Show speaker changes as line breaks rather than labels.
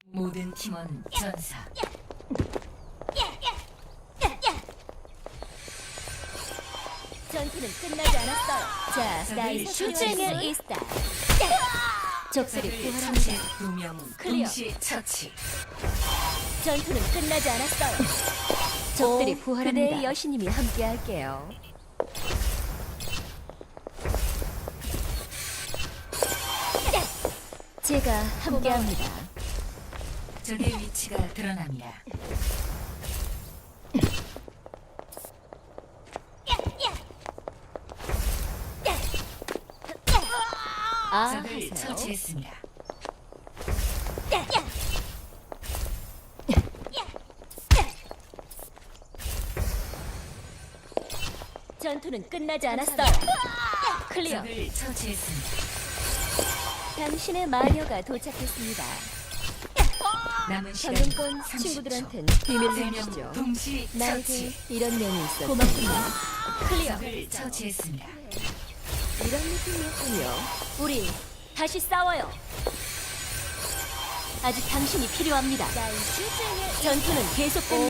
모든 팀원 전사.
전투는 끝나지 않았어요. 자, 나의
적을
수쟁의
처치했어.
이스타. 적들이
적을
부활합니다.
처치. 2명
클리어.
동시 처치.
전투는 끝나지 않았어요. 적들이
오,
부활합니다.
그대의
여신님이 함께할게요. 제가 함께합니다.
적의 위치가 드러납니다.
아,
적을
하세요.
처치했습니다.
전투는 끝나지 않았어요. 클리어.
적을 처치했습니다.
당신의 마녀가 도착했습니다.
남은 시간
방금권
30초.
친구들한텐 비밀로
3명
해주시죠.
동시
나에게
처치.
이런 면이 있어. 고맙습니다. 클리어.
적을 처치했습니다.
이런 느낌이었군요. 우리 다시 싸워요. 아직 당신이 필요합니다. 전투는 계속됩니다.